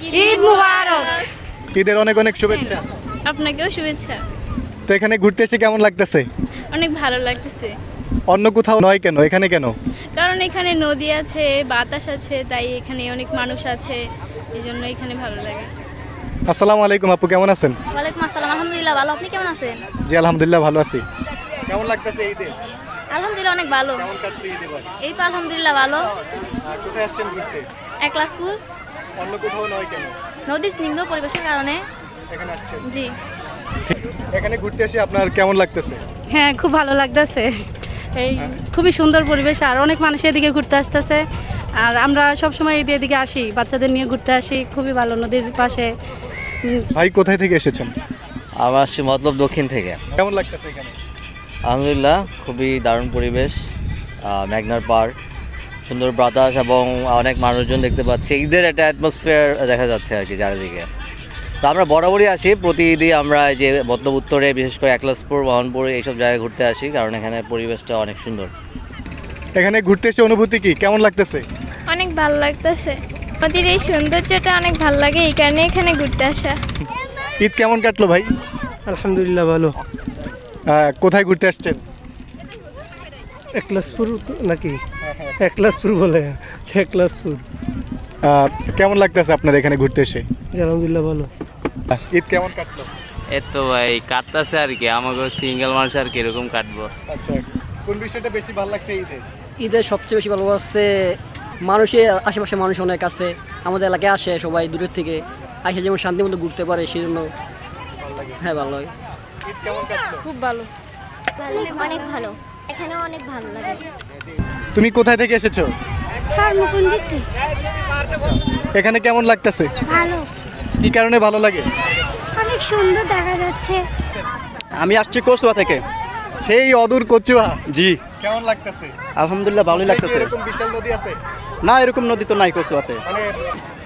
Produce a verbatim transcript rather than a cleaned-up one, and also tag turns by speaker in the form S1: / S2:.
S1: ঈদ মুবারক।
S2: ঈদের অনেক অনেক শুভেচ্ছা।
S3: আপনাকেও শুভেচ্ছা।
S2: তো এখানে ঘুরতে এসে কেমন লাগতেছে?
S3: অনেক ভালো লাগতেছে।
S2: অন্য কোথাও নয় কেন, এখানে কেন?
S3: কারণ এখানে নদী আছে, বাতাস আছে, তাই এখানে অনেক মানুষ আছে, এই জন্য এখানে ভালো লাগে।
S2: আসসালামু আলাইকুম আপু, কেমন আছেন?
S1: ওয়ালাইকুম আসসালাম, আলহামদুলিল্লাহ ভালো। আপনি কেমন আছেন?
S2: জি আলহামদুলিল্লাহ ভালো আছি। কেমন লাগতেছে ঈদে?
S1: আলহামদুলিল্লাহ অনেক ভালো।
S2: কেমন কাটছে ঈদ এবার?
S1: এই তো আলহামদুলিল্লাহ ভালো।
S2: আর কোথায় আসছেন ঘুরতে?
S1: একলাসপুর।
S2: অন্য কোথাও নয় কেন?
S1: নদী স্নিগ্ধ পরিবেশের কারণে
S2: এখানে আসছেন।
S1: জি।
S2: এখানে ঘুরতে এসে আপনার কেমন লাগতেছে?
S4: হ্যাঁ, খুব ভালো লাগতেছে। এই খুবই সুন্দর পরিবেশ, আর অনেক মানুষ এদিকে ঘুরতে আসতেছে। আর আমরা সব সময় এদিকে এদিকে আসি, বাচ্চাদের নিয়ে ঘুরতে আসি, খুবই ভালো নদীর পাশে। উম,
S2: ভাই কোথায় থেকে এসেছেন?
S5: আমরা আসছি মতলব দক্ষিণ থেকে।
S2: কেমন লাগতেছে এখানে?
S5: আলহামদুলিল্লাহ, খুবই দারুণ পরিবেশ, আহ, মেঘনার পাড়, সুন্দর বাতাস এবং অনেক মানুষজন দেখতে পাচ্ছি। ঈদের একটা অ্যাটমসফিয়ার দেখা যাচ্ছে আর কি চারিদিকে। তো আমরা বরাবরই আসি, প্রতি ঈদই আমরা এই যে মতলব উত্তরে, বিশেষ করে একলাসপুর, মোহনপুর এইসব জায়গায় ঘুরতে আসি, কারণ এখানে পরিবেশটা অনেক সুন্দর।
S2: এখানে ঘুরতে এসে অনুভূতি কি, কেমন লাগতেছে?
S3: অনেক ভালো লাগতেছে। নদীর এই সৌন্দর্যটা অনেক ভালো লাগে, এই কারণে এখানে ঘুরতে আসা।
S2: ঈদ কেমন কাটলো ভাই?
S6: আলহামদুলিল্লাহ ভালো।
S2: আহ, কোথায় ঘুরতে আসছেন?
S6: একলাসপুর নাকি? একলাসপুর বলে, একলাসপুর।
S2: আহ, কেমন লাগতেছে আপনার এখানে ঘুরতে এসে?
S6: জি আলহামদুলিল্লাহ ভালো।
S2: ঈদ কেমন কাটলো?
S7: এই তো ভাই কাটতেছে আর কি, আমাকে সিঙ্গেল মানুষ আর কিরকম কাটবো।
S2: আচ্ছা, কোন বিষয়টা বেশি ভালো লাগছে ঈদে?
S8: ঈদের সবচেয়ে বেশি ভালো লাগছে মানুষের আশেপাশে মানুষ অনেক আছে, আমাদের এলাকায় আসে সবাই দূরের থেকে, আসে যেমন শান্তি মতো ঘুরতে পারে, সেই জন্য হ্যাঁ ভালো লাগে।
S2: ঈদ কেমন কাটলো?
S3: খুব ভালো।
S1: অনেক ভালো, এখানেও অনেক ভালো লাগে।
S2: তুমি কোথায় থেকে এসেছো?
S1: চারমুকুন্দিতে
S2: এখানে কেমন লাগতেছে?
S1: ভালো,
S2: কি কারণে ভালো লাগে?
S1: অনেক সুন্দর দেখা যাচ্ছে।
S6: আমি আসছি কসবা থেকে।
S2: সেই অদূর কচুয়া।
S6: জি
S2: কেমন লাগতেছে?
S6: আলহামদুলিল্লাহ ভালোই লাগতেছে।
S2: এরকম বিশাল নদী আছে?
S6: না, এরকম নদী তো নাই কসবাতে।
S2: মানে